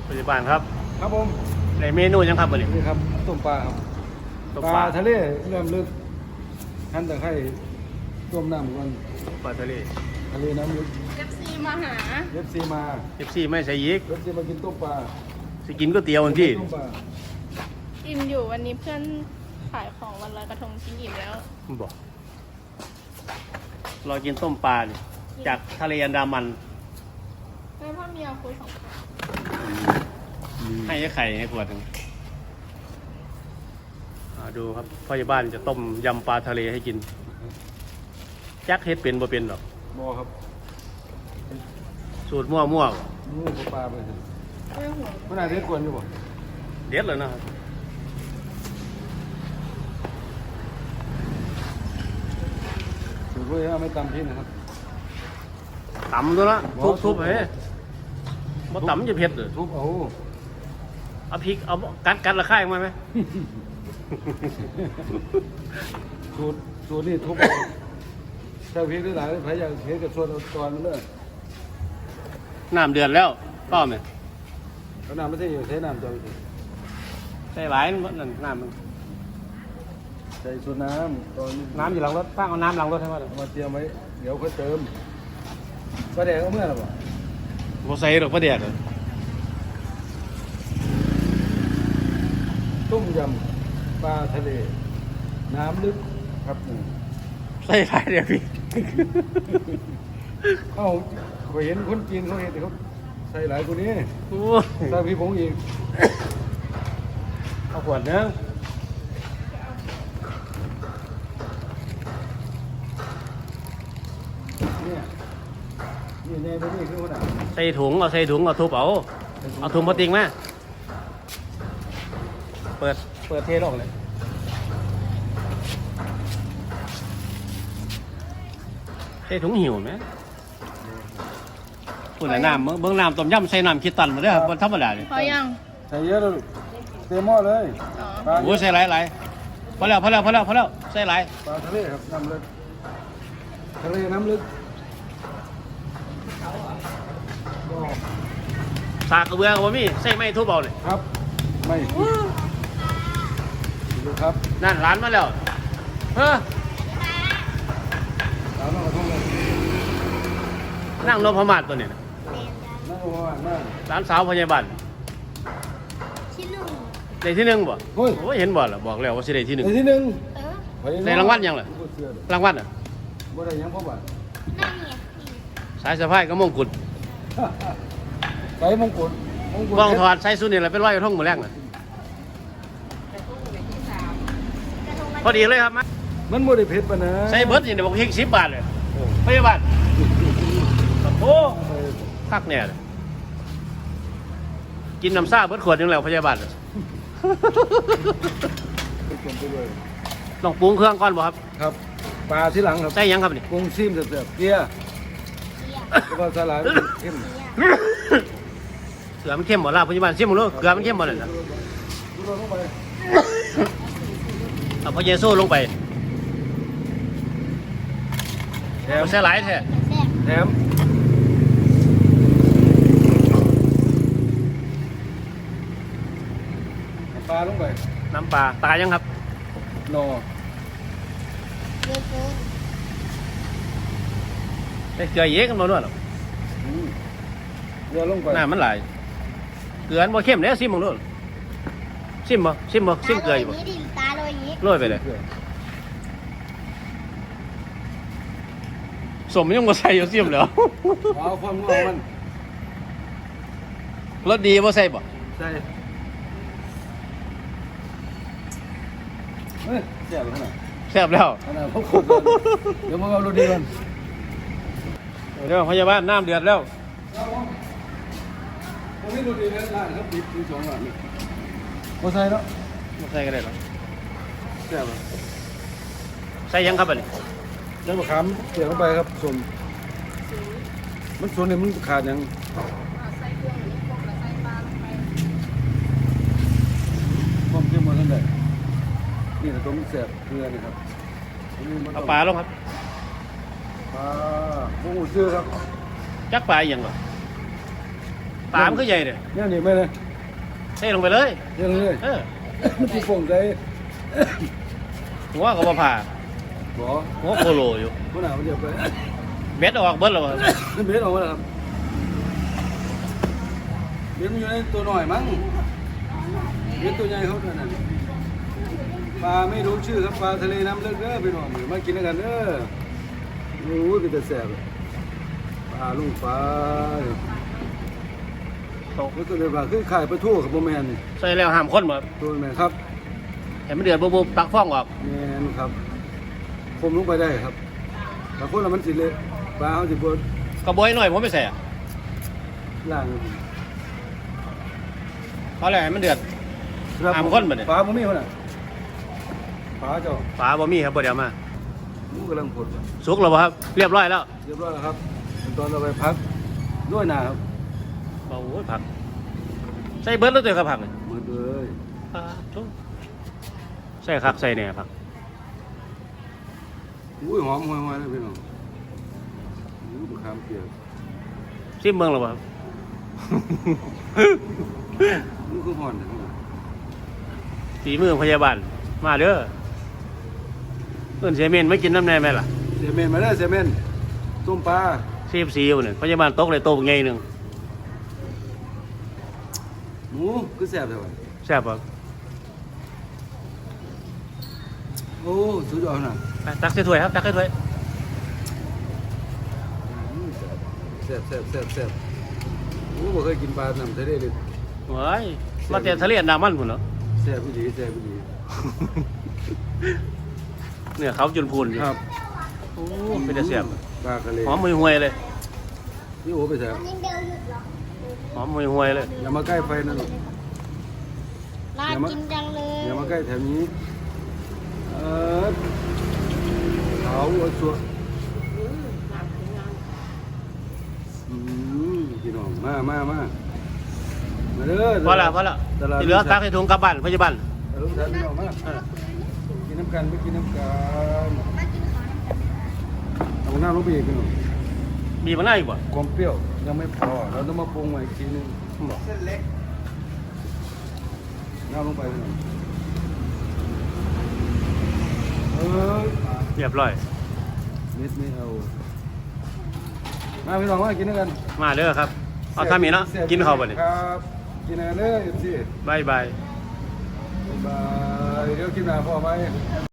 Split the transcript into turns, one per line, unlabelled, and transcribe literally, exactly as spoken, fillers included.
ปัจจุบันครับ
ครับผม
ในเมนูยังครับวันนี้
นี่ครับต้มปลาครับปลาทะเลเริ่มลึกหั่นตะไคร้ต้มน้ำก่อน
ปลาทะเล
ทะเลน้ำลึก
เอฟซีมาหา
เอฟซีมา
เอฟซีไม่ใส่ยิก
เอฟซีมากินต้มปลา
สิกินก๋วยเตี๋ยววันที่
อิ่มอยู่วันนี้เพื่อนขายของวันลอยกระทงกินอิ่มแล้ว
บอกรอกินต้มปลาเนี่ยจากทะเลอันดามัน
แม่พ่อเมียคุยสองคน
ให้ไข่ให้ขวดหนึ่งดูครับพ่อบ้านจะต้มยำปลาทะเลให้กินแจ็คเฮ็ดเป็นบ่เป็นหรอก
บ่ครับ
สูตรมั่วมั่ว
นู่นปลาไปสิ
ไม่หัว
มันอาจจะกวนอยู่บ่
เด็ดเลยนะครับ
สูตรด้วยไม่ตำพี่นะครับ
ตำตัวละทุบทุบเฮ้ยมาตำจะเผ็ดเลย
ทุบเอา
เอาพริกเอากัดกัดละค่ายมาไหม
สูตรสูตรนี่ทุบใส่พริกได้หลายใครอยากเห็นกับส่วนตอนมันเลย
น้ำเดือดแล้วก็ไหม
เอาน้ำไม่ใช่ใช้น้ำจอย
ใส่หลายนั่นน้ำมัน
ใส่ส่วนน้ำตอน
น้ำอยู่หลังรถตั้งเอาน้ำหลังรถให้มา
มาเตรียมไว้เดี๋ยวค่อยเติมปลาแดกเอาเมื่อไหร่บ่
บ่ใส่หรอกปลาแดกเลย
ต้มยำปลาทะเลน้ำลึกครับ
ใส่หลายเดี๋ยวพี่
เขาไปเห็นคนจีนเขาเห็นแต่เขาใส่หลายกว่านี้ใส่พี่ผงอีก
เอาขวดนึง
เนี่ยนี่ในตัวนี้คือขนาด
ใส่ถุงเอาใส่ถุงเอาทุบเอาเอาถุงพลาสติกมาเปิดเปิดเทลงเลยใส่ถุงหิวไหมพูดแต่น้ำเบื้องน้ำต้มยำใส่น้ำคิดตันมาด้วยครับธรรมดาเลย
พอยัง
ใส่เยอะแล้วเต็มหม้อเลย
โอ้ใส่หลายหลายพอแล้วพอแล้วพอแล้วพอแล้วใส่หลาย
ปลาทะเลครับน้ำลึกทะเลน้ำลึก
สากกระเบือกับมี่ใส่ไม้ทุบเอาเลย
ครับไม่ดูครับ
นั่นร้านมาแล้วเฮ้อนั่งนพมาศตัวนี้นะ
นั่งนพมาศนั่ง
ร้านสาวพยาบาล
ที่หนึ่ง
ได้ที่หนึ่งบ่โอ้ยเห็นบ่ล่ะบอกแล้วว่าสิได้ที่หนึ่ง
ได้ที่หนึ่ง
ได้รางวัลยังล่ะรางวัลอ่ะ
บ่ได้ยังพ่อบ้าน
สายสะพายก็มงกุฎ
ใส่มงกุฎ
กองถอดใส่สุดนี่แหละเป็นร้อยกระทงหมดแรกน่ะพอดีเลยครับ
มันบ่ได้เผ็ดปะนะ
ใส่เบิร์ดนี่บอกเพียงสิบบาทเลยพยาบาลโอ้คักเนี่ยกินน้ำซ่าเบิร์ดขวดนึงแล้วพยาบาลต้องปรุงเครื่องก่อนบ่ครับ
ครับปลาที่หลังครับ
ใส่ยังครับนี่
ปรุงซิมเสร็จเกลือแล้วก็สลายเข้ม
เกลือมันเข้มหมดแล้วพยาบาลซิมหมดเลยเกลือมันเข้มหมดเลยนะเอาพอเยซูลงไปแถมใส่หลายแท้
แถมปลาลงไป
น้ำปลาตายยังครับ
นอ
ได้เกลือเยอะกันมาด้วยหรอ
เกลือลงไป
น่ามันหลายเกลือมันเข้มเนี่ยซิมมึงด้วยซิมบ่ซิมบ่ซิมเกลืออยู่บ่
ตาโรยนี้
โรยไปเลยสมยังมาใส่อยู่ซิมเหรอ
เอาความงอมัน
รสดีว่าใส่บ่
ใส่เฮ้ยแซ่บแล้วนะ
แซ่บแล้ว
เดี๋ยวมึงเอารสดีกัน
เดี๋ยวพยาบาลน้ำเดือดแล้ว
ผมไม่รสดีแล้วร้านเขาปิดที่สองร้านนี่มาใส่แล้ว
มาใส่ก็ได้หรอ
แซ่บ
ใส่ยังครับอันนี้
ยังมะขามเสียบลงไปครับส่วนมันส่วนเนี่ยมันขาดยัง
ใส่เครื่องนี้พวกเราใส่ปลาลงไป
ความเข้มข้นนั่นแหละนี่แต่ตัวมันแซ่บเกลือนี่ครับ
เอาปลาลงครับ
ปลาพวกหูซื้อครับ
จักปลาอย่างหรอปลามันก็ใหญ่เลย
เนี่ยนี่ไม่เลย
เทลงไปเลย
เรื่องเลย
เออ
มันคือโป่งใจ
หัวก็บ่ผ่า
บ่
หัวโคโลอยู่
คนหนามันเดียวไป
เบ็ดออกเบิดแล้วบ่
นี่เบ็ดออกมาแล้วครับเบ็ดมันอยู่ในตัวหน่อยมั้งเบ็ดตัวใหญ่เขาเนี่ยนะปลาไม่รู้ชื่อครับปลาทะเลน้ำลึกเด้อพี่น้องมากินด้วยกันเด้อโอ้ยเป็นแต่แสบปลาลุงปลา
ตก
นี่ตัวเดียวกันคือขายปลาทูกับโบแมนนี่
ใส่แล้วห้ามคนบ่
ตัวแมนครับ
ให้มันเดือดบุบๆตักฟ้องออก
แมนครับคมลงไปได้ครับแต่คนละมันสิเละปลาเขาสิบด
กระบวยหน่อยผมไม่ใส่อะ
ล่าง
เพราะอะไรให้มันเดือด ห้ามคนบ่เนี่ย
ปลาบ่มีคนน่ะปลาเจ้า
ปลาบ่มีครับบ่เดี๋ยวมา
หมูกำลังผดว่ะ
สุกแล้วบ่ครับเรียบร้อยแล้ว
เรียบร้อยแล้วครับขั้นตอนเราไปพักด้วยหนาครับ
โอ้ยผักใส่เบิร์ดแล้วตัวครับผักเนี่ย
หมดเลย
ปลาทุกใส่คักใส่เนี่ยผัก
อุ้ยหอมหวยๆเลยพี่น้องอุ้ยมะขามเปียก
ซิมเมืองแล้วบ่ครับ
นี่คือห่อนนะครับ
ฝีมือพยาบาลมาเด้อเอิ้นเสียเมนไม่กินน้ำแน่ไหมล่ะ
เสียเมนมาได้อเสียเมนต้มปลา
ซีบซีอยู่เนี่ยพยาบาลตกเลยโตกไงหนึ่ง
หมูคือแซ่บเท่าไหร่
แซ่บบ่
โอ้สุดยอดนะ
ไปตักใส่ถ้วยครับตักใส่ถ้วย
อืมแซ่บแซ่บแซ่บแซ่บโอ้บ่เคยกินปลาน้ำทะเลเลย
โอ้ยมาแต่ทะเลอันดามันพุ่นเหรอ
แซ่บอีหลีแซ่บอีหลี
เนี่ยเขาจนพูนอยู่
ครับ
โอ้เป็นแต่แซ่บ
ปลากระเล
หอมห่วยๆเลย
นี่โอ้ไปแซ่บ
หอมห่วยๆเลย
อย่ามาใกล้ไฟนั่นหรอก
น่ากินจังเลย
อย่ามาใกล้แถวนี้เออเขาเอาสัวอืมพี่น้องมามามามาเด้อ
พอละพอละ
ตลาด
ที่เหลือตักให้ถุงกลับบ้านพยาบาล
ตลาดพี่น้องมากินน้ำกันไม่กินน้ำกันเอาหน้าลงไปอีกพี่น้อง
มีมาหน้าอีกบ่
ความเปรี้ยวยังไม่พอเราต้องมาปรุงใหม่อีกทีนึง
บอก
หน้าลงไปพี่น้องเออ
เรียบร้อย
เม็ดไม่เอามาพี่น้องมากินด้วยกัน
มาเด้อครับเอาทำอีกเนาะกินข้าวบ่เนี่ย
ครับกินอะไรเลยสิ
บายบาย
บายเดี๋ยวกินหนาพ่อไป